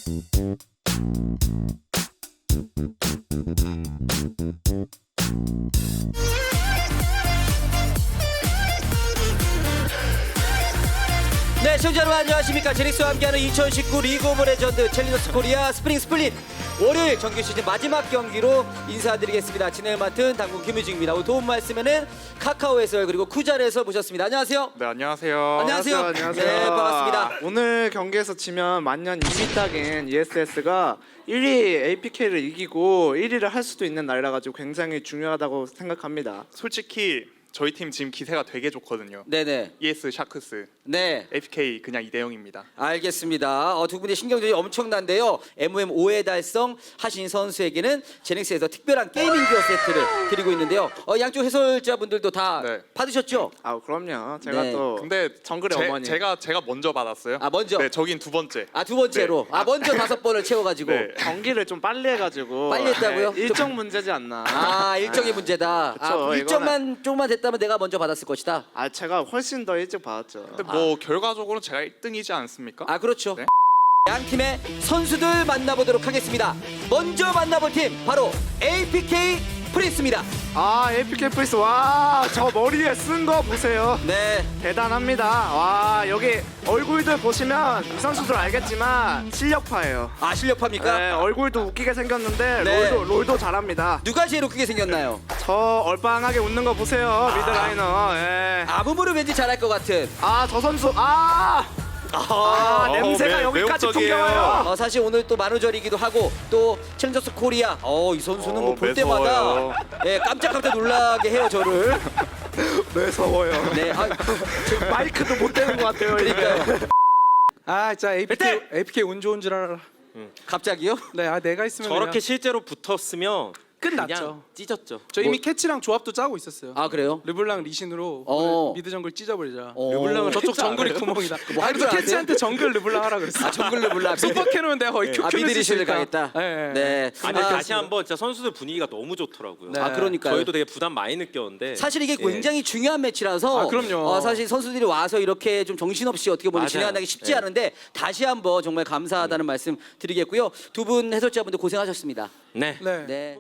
네, 시청자 여러분 안녕하십니까. 제닉스와 함께하는 2019 리그 오브 레전드 챌린저스 코리아 스프링 스플릿 월요일 정규 시즌 마지막 경기로 인사드리겠습니다. 진행을 맡은 당군 김유중입니다. 오늘 도움 말씀에는 카카오 해설 그리고 쿠잘 해설 모셨습니다. 안녕하세요. 네, 안녕하세요. 안녕하세요. 안녕하세요. 네, 반갑습니다. 오늘 경기에서 지면 만년 2위 딱인 ESS가 1위 APK를 이기고 1위를 할 수도 있는 날이라 가지고 굉장히 중요하다고 생각합니다. 솔직히 저희 팀 지금 기세가 되게 좋거든요. 네네. ES 샤크스, 네. APK 그냥 2대 0입니다. 알겠습니다. 두 분의 신경전이 엄청난데요. MOM 5회 달성 하신 선수에게는 제닉스에서 특별한 게이밍 기어 세트를 드리고 있는데요. 양쪽 해설자분들도 다 네. 받으셨죠? 아 그럼요. 제가 네. 또 근데 정글의 어머니. 제가 먼저 받았어요. 아, 먼저? 네, 저긴 두 번째. 두 번째로. 네. 먼저 5번을 채워가지고. 네. 경기를 좀 빨리 해가지고 빨리 했다고요? 네, 일정 문제지 않나. 일정의 문제다. 그쵸, 일정만 조금만 됐다면 내가 먼저 받았을 것이다. 제가 훨씬 더 일찍 받았죠. 근데 뭐 결과적으로는 제가 1등이지 않습니까? 그렇죠. 네. 양 팀의 선수들 만나보도록 하겠습니다. 먼저 만나볼 팀 바로 APK 프린스입니다. APK 프리스 저 머리에 쓴 거 보세요. 네. 대단합니다. 여기 얼굴들 보시면 이 선수들 알겠지만 실력파예요. 실력파입니까? 네, 얼굴도 웃기게 생겼는데 네. 롤도 잘합니다. 누가 제일 웃기게 생겼나요? 저 얼빵하게 웃는 거 보세요. 미드라이너. 예. 아무무를 왠지 잘할 것 같은. 저 선수 냄새가 여기까지 매혹적이에요. 풍겨와요. 사실 오늘 또 만우절이기도 하고 또 챌린저스 코리아 이 선수는 뭐 볼 매서워요. 때마다 깜짝깜짝 놀라게 해요 저를. 매서워요. 네. 마이크도 못 대는 것 같아요. 그러니까요. 진짜 APK 운 좋은 줄 알아. 갑자기요? 네, 내가 있으면 저렇게 그냥 실제로 붙었으면 끝났죠. 그냥 찢었죠. 저 이미 캐치랑 조합도 짜고 있었어요. 그래요? 르블랑 리신으로 어. 미드 정글 찢어버리자. 르블랑을 저쪽 정글이 구멍이다. 할 줄 그래서 캐치한테 정글 르블랑 하라 그랬어. 정글 르블랑. 슈퍼 캐논 내가 거의 큐 미드 리신을 가겠다. 네. 네. 아니 다시 한번 진짜 선수들 분위기가 너무 좋더라고요. 네. 그러니까요. 저희도 되게 부담 많이 느꼈는데 사실 이게 예. 굉장히 중요한 매치라서 그럼요. 사실 선수들이 와서 이렇게 좀 정신없이 어떻게 보면 맞아요. 진행하기 쉽지 예. 않은데 다시 한번 정말 감사하다는 말씀 드리겠고요. 두 분 해설자분들 고생하셨습니다. 네. 네. 네.